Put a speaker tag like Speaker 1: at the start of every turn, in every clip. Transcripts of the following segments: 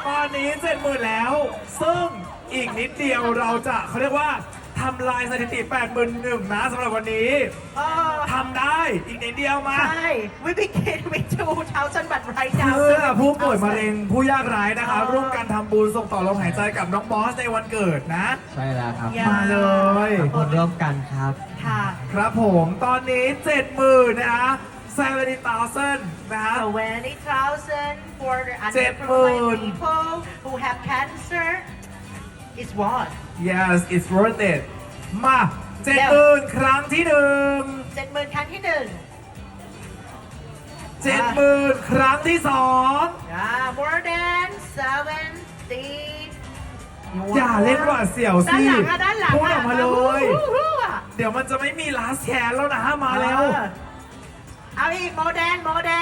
Speaker 1: ตอนนี้70,000แล้ว ซึ่งอีกนิดเดียวเราจะเขาเรียกว่าทำลายสถิติ 81,000 นะสำหรับวันนี้ทำได้อีกนิดเดียวมา
Speaker 2: ใช่ we begin with 2,000 but right now
Speaker 1: เพื่อผู้ป่วยมะเร็ง
Speaker 2: 7,000
Speaker 1: ผู้ยากไร้นะคะร่วมกันทำบุญส่งต่อลมหายใจกับน้องบอสในวันเกิดนะ
Speaker 3: ใช่แล้วครับ
Speaker 2: อย่า
Speaker 1: มาเลย
Speaker 3: ผลร่วมกันครับ
Speaker 2: ค่ะ
Speaker 1: ครับผมตอนนี้ 70,000 นะคะ70,000 นะฮะ
Speaker 2: 20,000 for the
Speaker 1: 70,000
Speaker 2: underprivileged people who have cancer is what
Speaker 1: yes it's worth it มา 70,000 ครั้งที่หนึ่ง
Speaker 2: 70,000 ครั้งที่หนึ่ง
Speaker 1: 70,000 ครั้งที่สอง
Speaker 2: more than 70
Speaker 1: อย่าเล่นหวาดเสียวสิ
Speaker 2: ด้านหลัง
Speaker 1: พูดออกมาเลย
Speaker 2: ฮู้อะ
Speaker 1: เดี๋ยวมันจะไม่มี last chance แล้วนะมาแล้ว
Speaker 2: เอาอีก more than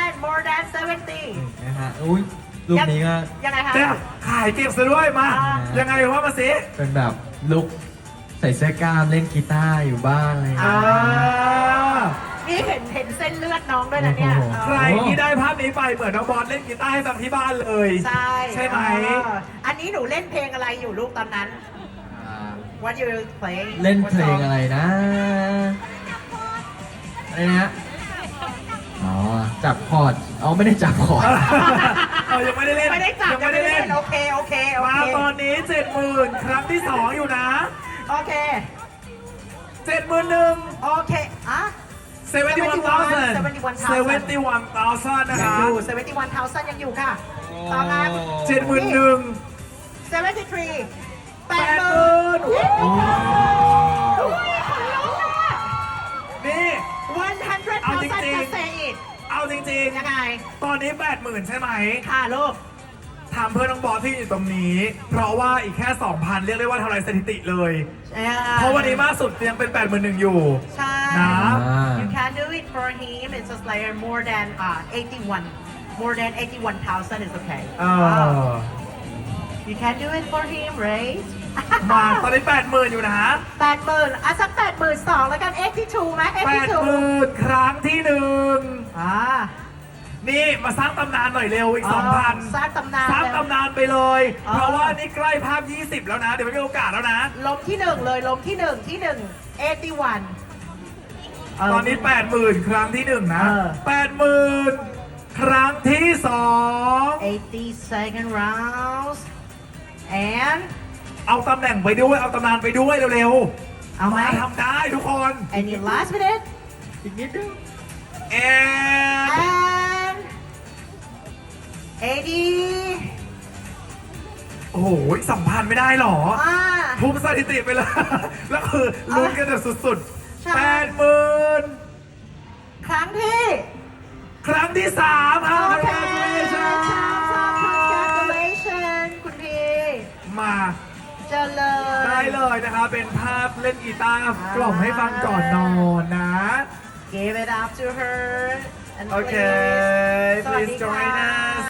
Speaker 2: 70
Speaker 3: นะฮะ อุ้ยรูปนี้ก็
Speaker 2: ยังไงคะ
Speaker 1: เนี่ยขายเก็บซะด้วยมา
Speaker 2: อ่า
Speaker 1: ยังไงว่ามาสิ
Speaker 3: เป็นแบบลุกใส่เสื้อกล้ามเล่นกีตาร์อยู่บ้านอะไรอย่าง
Speaker 1: อ่า
Speaker 3: เงี้ย
Speaker 2: นี่เห็นเส้นเลือดน้องด้วยนะเนี่ย
Speaker 3: โอ้โห
Speaker 1: ใครที่ได้ภาพนี้ไปเหมือนน้องบอลเล่นกีตาร์ให้ฟังที่บ้านเลย
Speaker 2: ใช่
Speaker 1: ใช่ไหม
Speaker 2: อันนี้หนูเล่นเพลงอะไรอยู่ลูกตอนนั้น What you play
Speaker 3: เล่นเพลงอะไรนะ อะไรนะ อ๋อ จับคอร์ดเอาไม่ได้จับคอร์ด
Speaker 1: ยังไม่ได้เล่น
Speaker 2: ไม่ได้จับ
Speaker 1: ยังไม่ได้เล่น
Speaker 2: โอเค
Speaker 1: มาตอนนี้ 70,000 ครั้งที่ 2 อยู่นะ
Speaker 2: โอเค
Speaker 1: 71,000
Speaker 2: โอเคอ่ะ
Speaker 1: 71,000 71,000 นะ
Speaker 2: ยัง
Speaker 1: คะ
Speaker 2: อยู่71,000ยังอยู่ค่ะต่อมา
Speaker 1: 71,000
Speaker 2: 73 80,000
Speaker 1: 80,000 นี่
Speaker 2: 100,000
Speaker 1: เอาจริงๆ
Speaker 2: จะ say it
Speaker 1: เอาจริง
Speaker 2: ยังไง
Speaker 1: ๆ ตอนนี้ 80,000 ใช่ไหม
Speaker 2: ค่ะลูก
Speaker 1: ทำเพื่อน้องบอสที่อยู่ตรงนี้ เพราะว่าอีกแค่ 2,000 เรียกได้ว่าทำลายสถิติเลย เพราะวันนี้มากสุดยังเป็น 81,000 อยู่
Speaker 2: ใช่
Speaker 1: นะ
Speaker 2: You can do it for him. It's just like more than 81. More than 81,000 is okay.
Speaker 1: เออ
Speaker 2: You can do it for him, right?
Speaker 1: มาตอนนี้ 80,000 อยู่นะ
Speaker 2: 80,000อ่ะสัก82,000แล้วกัน 82ไหม82
Speaker 1: 80,000 ครั้งที่หนึ่ง
Speaker 2: อ่า
Speaker 1: นี่มาสร้างตำนานหน่อยเร็วอีก 2,000
Speaker 2: สร้างตำนาน
Speaker 1: สร้าง
Speaker 2: เลย
Speaker 1: ตำนานไปเลย
Speaker 2: อ๋อ
Speaker 1: เพราะว่านี่ใกล้ภาพ 20 แล้วนะ เดี๋ยวไม่มีโอกาสแล้วนะ
Speaker 2: ล้มที่หนึ่งเลยล้มที่หนึ่ง81
Speaker 1: ตอนนี้ 80,000 ครั้งที่หนึ่งนะ 80,000 ครั้งที่สอง
Speaker 2: 80 second rounds and
Speaker 1: เอาตำแหน่งไปด้วย เอาตำนานไปด้วยเร็ว
Speaker 2: เอาไหม
Speaker 1: ทำได้ทุกคน
Speaker 2: any last minute
Speaker 3: อีกนิดนึง
Speaker 1: and
Speaker 2: and 80
Speaker 1: โอ้โห2,000 ไม่ได้หรอ
Speaker 2: อ่า
Speaker 1: ทุบสถิติไปเลย แล้วคือลุ้นกันแบบสุด
Speaker 2: ใช่
Speaker 1: ๆ 80,000
Speaker 2: ครั้งที่
Speaker 1: ครั้งที่3ครับ
Speaker 2: โอเค
Speaker 1: congratulations
Speaker 2: congratulations คุณพี่
Speaker 1: มา
Speaker 2: เจริญ
Speaker 1: ได้เลยนะคะ เป็นภาพเล่นกีตาร์กล่อมให้ฟังก่อนนอนนะ
Speaker 2: Give it up to her and
Speaker 1: โอเค
Speaker 2: please สวัส
Speaker 1: please
Speaker 2: ดี
Speaker 1: join
Speaker 2: ค่ะ
Speaker 1: us